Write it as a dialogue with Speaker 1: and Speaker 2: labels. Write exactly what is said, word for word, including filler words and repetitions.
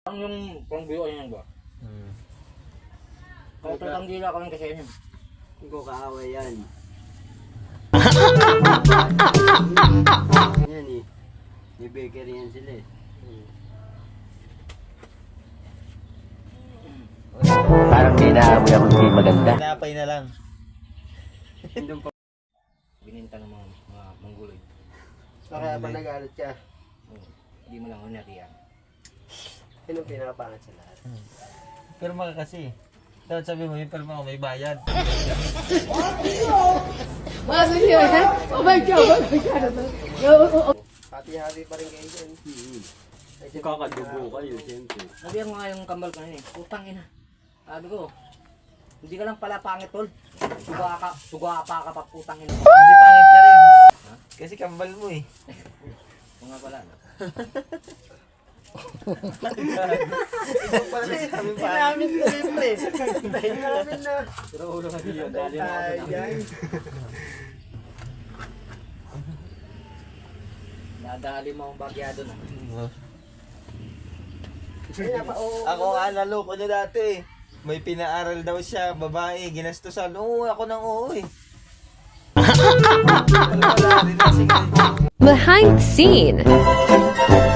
Speaker 1: Ang yung pangbuyo yan ba?
Speaker 2: Hmm.
Speaker 1: Kaya tatang dila kami kasi yun.
Speaker 3: Hindi ko kaaway yan. Yan eh. May bakery yan sila eh.
Speaker 4: Parang may naamoy ako hindi maganda.
Speaker 2: Tinapay na lang.
Speaker 3: Doon pa.
Speaker 1: Bininta ng mga, mga mangguloy.
Speaker 3: Kaya pa nagalit ka.
Speaker 1: Oo. Hindi mo lang unati yan.
Speaker 3: Sino pinapangat sa lahat?
Speaker 2: Hmm. Pirma ka kasi. Dapat sabi mo, yung pirma ko may bayad.
Speaker 5: Oh my God! Oh my God!
Speaker 3: Hati-hati pa rin kayo dyan.
Speaker 1: Mm-hmm.
Speaker 3: Kakadugo kayo, siyempre.
Speaker 1: Sabi ko nga yung kambal ko na yun eh. Putang ina. Sabi ko, hindi ka lang pala pangit tol. Suga ka, suga pa ka pa putang ina.
Speaker 2: Hindi pangit ka rin.
Speaker 1: Ha?
Speaker 2: Kasi kambal mo eh.
Speaker 1: Kung nga pala. No?
Speaker 2: Ikaw pala eh. Sabi pa.
Speaker 3: Namin ko rin pre. Namin na.
Speaker 1: Pero ulo nga dito. Dali na ako sa
Speaker 3: Ayan.
Speaker 1: Nadali mo ang bagyado na.
Speaker 2: Ako nga naloko niya dati eh. May pinaaral daw siya, babae, ginastusan. Oo, ako nang oo eh. Wala rin kasi.
Speaker 6: Behind the scene.